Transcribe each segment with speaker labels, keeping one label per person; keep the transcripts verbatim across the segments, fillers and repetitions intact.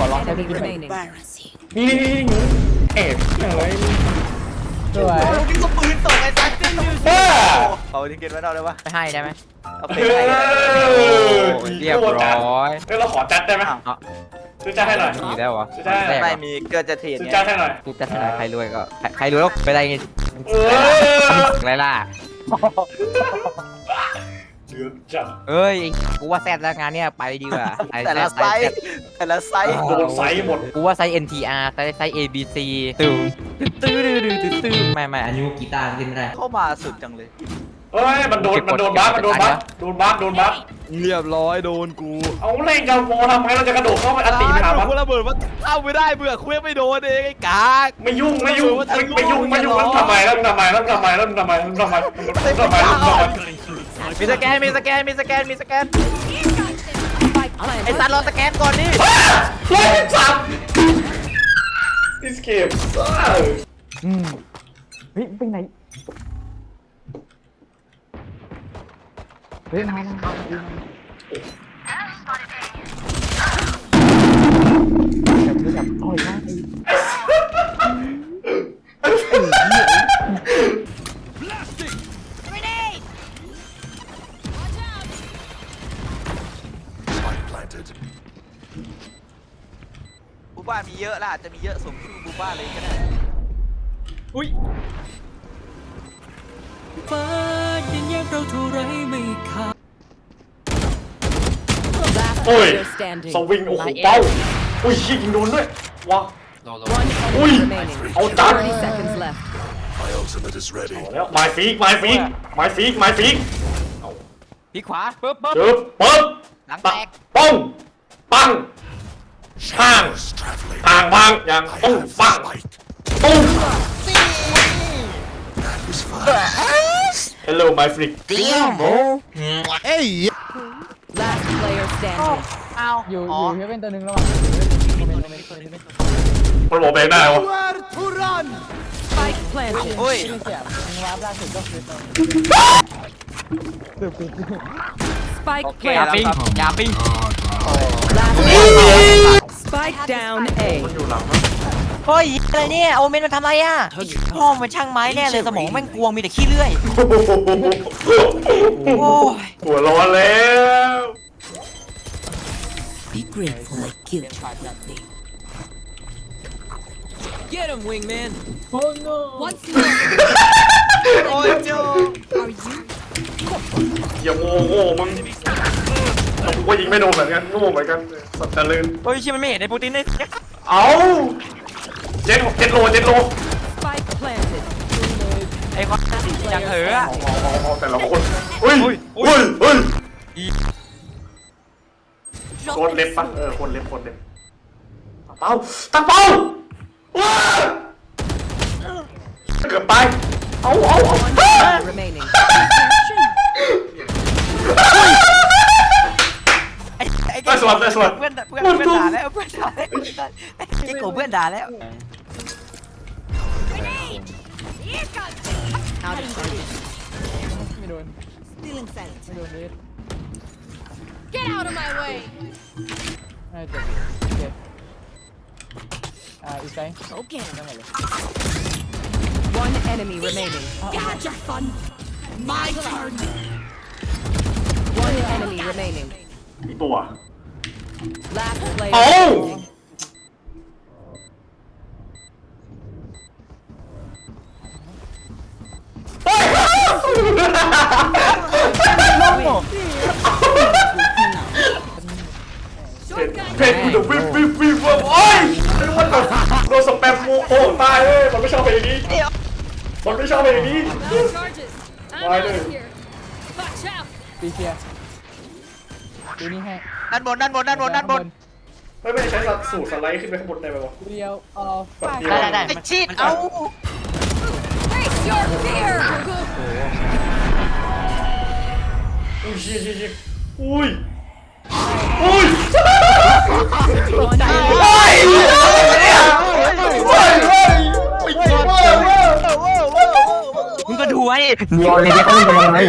Speaker 1: อร้องใช้ที่กิน
Speaker 2: remaining.
Speaker 3: นี่นี่นี่นี่เอ็ดอะไร
Speaker 1: สวย
Speaker 4: นี่ก็ปืนตกไอ้สัตว์
Speaker 3: บ้า
Speaker 4: เอาที่กินไว้เราได้ปะ
Speaker 5: ไม่ให้ได้ไหม
Speaker 4: เอา
Speaker 3: เอ
Speaker 4: ไปให้
Speaker 3: อ
Speaker 5: เรียบร้อย
Speaker 3: เออเราขอจัดได้ไหม
Speaker 5: เอา
Speaker 3: ซื้อจัดให้หน่อย
Speaker 5: มีแล้วเหรอ
Speaker 3: ซื้อจัดให้หน่อย
Speaker 4: ไม่มีเกิดจะเทรด
Speaker 3: ซื้อ
Speaker 4: ไง
Speaker 3: จัดให้หน่อย
Speaker 5: กูจะทำอะไรใครรวยก็ใครใครรวยแล้วไปอะไรไง
Speaker 3: เออ
Speaker 5: อะไรล่ะ
Speaker 3: เดือดจัด
Speaker 5: เอ้ยกูว่าแซดแล้วงานเนี้ยไปดีกว่า
Speaker 4: แต่ละไซส์แต่ละไซส์
Speaker 3: โดนไซส์หมด
Speaker 5: กูว่าไซส์ เอ็น ที อาร์ ไซส์ไซส์ เอ บี ซี ตื้อตื้อตื้อตื้อตื้อตื้อไม่ไม่อันนี้กีตาร์เล่นไม่ได้
Speaker 4: เข้ามาสุดจังเลย
Speaker 3: เฮ้ยมันโดนมันโดนบัฟมันโดนบัฟโดนบัฟโดนบัฟ
Speaker 6: เรียบร้อยโดนกู
Speaker 3: เอาเล่นกับโมทำไมเราจะกระโดดเข้าไปอันตีไปหามัน
Speaker 6: กูระเบิดว่าเข้าไม่ได้เบื่อคุยไม่โดนเองไอ้กาก
Speaker 3: ไม่ยุ่งไม่ยุ่งไม่ไม่ยุ่งไม่ยุ่งแล้วทำไมแล้วทำไมแล้วทำไมแล้วทำไมแล้วทำไมแล้วทำไมแล้วทำไม
Speaker 4: มีสแกนมีสแกนมีสแกนมีสแกน
Speaker 2: Spike
Speaker 4: ไอ้
Speaker 2: planted.
Speaker 4: สัตว์รอสแกนก่อนดิ
Speaker 3: เฮ้ยสับดิสเกมซ่า
Speaker 1: อืมเฮ้ยไปไหนเฮ้ยมามาแบบแบบต่อยมากไอ้
Speaker 4: บูบ้ามีเยอะล่ะอาจจะมีเยอะสมชื่อบูบ้าเลยก็ได้
Speaker 6: อุ้ย
Speaker 7: ฟ้ายังแยกเราเท่าไรไม่ขาด
Speaker 2: Last
Speaker 3: โอ้ย
Speaker 2: player standing.
Speaker 3: สวิงโอ้โหเป้าอุ้ยยิงโดนด้วยว้า
Speaker 2: One
Speaker 3: Ui.
Speaker 2: enemy remaining.
Speaker 3: Ôi, chán.
Speaker 2: thirty seconds left.
Speaker 8: My ultimate is ready.
Speaker 3: แล้วไม้ฟีกไม้ฟีกไม้ฟีกไม้ฟีก
Speaker 5: พี่ขวาปึ๊บปึ๊บ
Speaker 3: เจอปึ๊บ
Speaker 5: หลังแตก
Speaker 3: ป้องปังห่าง
Speaker 8: Shadows traveling.
Speaker 3: ห่างพังอย่าง
Speaker 8: I
Speaker 3: ปุ้ง
Speaker 8: have
Speaker 3: ปัง
Speaker 8: spike.
Speaker 3: ปุ้ง
Speaker 8: That was fun.
Speaker 3: Hello my freak
Speaker 6: เอ้ย
Speaker 2: Last player standing.
Speaker 4: อ้าว
Speaker 1: อยู่
Speaker 4: อ๋
Speaker 1: อ
Speaker 4: อยู่
Speaker 1: เฮเว่นตัวหนึ่งระหว่างโมเมนต์โมเมนต์โมเมนต์
Speaker 3: มันบอกเองได้วะ
Speaker 2: Spike planted.
Speaker 4: โอ้ย
Speaker 1: ไม่เสียมึงวาร์ปล่าสุดก็คือตอนเดือบปี
Speaker 2: Spike
Speaker 5: อย่าปิ้ง
Speaker 2: planted.
Speaker 5: อย่าปิ้ง
Speaker 2: Last player. Spike down A.
Speaker 3: อยู่หลังมั้ง
Speaker 5: เฮ้ยอะไรเนี่ยโอเมนมันทำอะไรอ่ะพ่อมันช่างไม้แน่เลยสมองแม่งกวงมีแต่ขี้เลื่อยโอ้ย
Speaker 3: หัวร้อนแล้ว
Speaker 7: Be grateful I killed you. Get him, wingman.
Speaker 1: โอ้โน
Speaker 2: Once more.
Speaker 4: โอ้ยโจ
Speaker 2: Are you?
Speaker 3: อย่าโง่โง่มึงกูก็ยิงไม่โดนเหมือนกันโง่เหมือนกันสัตว์ตะลึง
Speaker 5: เฮ้ยชิมันไม่เห็นในปูตินเลย
Speaker 3: เอาเจ็ดเจ็ดโลเจ็ดโล
Speaker 2: Spike planted.
Speaker 5: ไอ้คนยังเถอะ
Speaker 3: เอาแต่ละคนอุ้ยอุ้ยอุ้ยโคนเล็บปะเออโคนเล็บโคนเล็บตั้งเป้าตั้งเป้าว้าเกือบไปเอาเอาเอา
Speaker 2: Remaining.
Speaker 5: ไอ้ไอ้
Speaker 3: ได้สวนได้สวน
Speaker 5: เพื่อนเพื่อนเพื่อนด่าแล้วเพื่อนด่าแล้วไอ้โกเพื่อนด่าแล้ว
Speaker 1: ไม่โดน
Speaker 2: Stealing sight.
Speaker 1: ไม่โดนเลย
Speaker 2: Get out of my way.
Speaker 1: น่าจะเจ็บอ่าอีกไซส์
Speaker 2: Okay.
Speaker 1: ได้หมดเลย
Speaker 2: One enemy remaining.
Speaker 7: Gotcha, fun. My turn.
Speaker 2: One enemy remaining.
Speaker 3: อีกตัว
Speaker 2: Last player
Speaker 3: Oh!
Speaker 2: standing.
Speaker 3: เพจกูจะวิบวิบวิบว่าโอ้ยไอ้มันแบบโดนสแปมโมโอ้ตายเลยมันไม่ชอบเพลงนี้มันไม่ชอบเพลงนี้
Speaker 2: Charges.
Speaker 3: I'm out of
Speaker 2: here. Watch out.
Speaker 1: ปีเชียร์ดูนี่ให้
Speaker 4: ด้านบนด้านบนด้านบนด้านบน
Speaker 3: ไม่ไม่ใช้สูตรสไลด์ขึ้นไปข้างบนได้ไหมวะ
Speaker 1: เดียวเออ
Speaker 3: แบบเดียว
Speaker 5: ได้ได้
Speaker 4: ไอ้ชีดเอา
Speaker 2: Face your fear.
Speaker 3: อุ้ยชี้ชี้ชี้อุ้ยอุ้ย
Speaker 2: One enemy.
Speaker 3: โอ้ยโอ้ยโอ้ยโอ้ยโอ้ยโอ้ยโอ้ย
Speaker 5: มึงก็ดูไว้
Speaker 1: มีออนไลน์เขาเล่นกันยังไง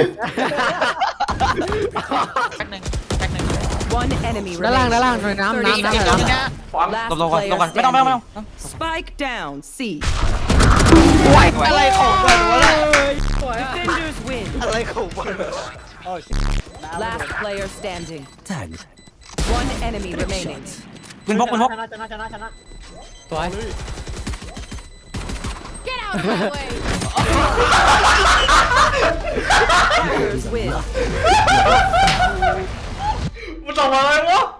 Speaker 5: แป๊บนึงแป๊บนึง
Speaker 2: One enemy
Speaker 1: ด้านล่าง
Speaker 2: remaining.
Speaker 1: ด้านล่างหน่อยน้ำน้ำน้ำ
Speaker 2: thirty
Speaker 1: น้ำ
Speaker 2: seconds.
Speaker 3: ไฟฟัง
Speaker 5: หลบหลบก่อนหลบก่อนไม่ต้องไม่ต้องไม่ต้อง
Speaker 9: Spike down. C.
Speaker 6: อะไรของมันวะเนี่ย
Speaker 9: Defenders win.
Speaker 6: อะไรของมัน
Speaker 9: Last player standing. One enemy remaining.
Speaker 5: ปืนพกปืนพก
Speaker 1: สวย
Speaker 2: Get out of my way.
Speaker 9: Defenders win.
Speaker 3: มันทำอะไรวะ